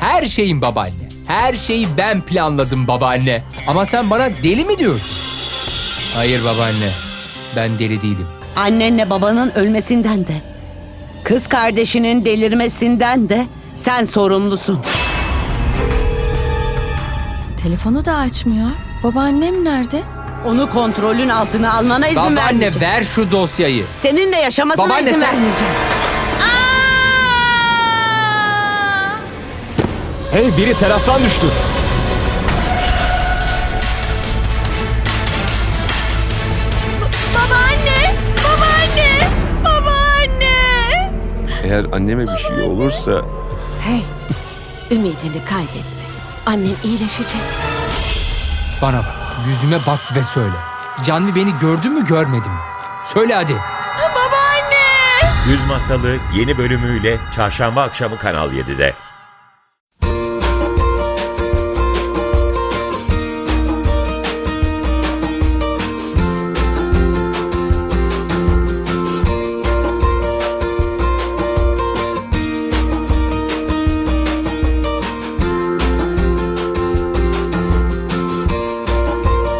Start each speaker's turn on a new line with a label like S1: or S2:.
S1: her şeyim babaanne. Her şeyi ben planladım babaanne. Ama sen bana deli mi diyorsun? Hayır babaanne, ben deli değilim.
S2: Annenle babanın ölmesinden de, kız kardeşinin delirmesinden de sen sorumlusun.
S3: Telefonu da açmıyor. Babaannem nerede?
S2: Onu kontrolün altına almana izin
S1: Babaanne
S2: vermeyeceğim.
S1: ver şu dosyayı.
S2: Seninle yaşamasına
S1: Babaanne,
S2: izin
S1: sen-
S2: vermeyeceğim.
S4: Hey, biri terastan düştü.
S3: Babaanne! Babaanne! Babaanne!
S5: Eğer anneme bir şey olursa
S2: Hey,
S6: Ümidini kaybetme. Annem iyileşecek.
S1: Bana bak, yüzüme bak ve söyle. Canvi beni gördü mü görmedi mi? Söyle hadi.
S3: Babaanne!
S7: Güz Masalı yeni bölümüyle çarşamba akşamı Kanal 7'de.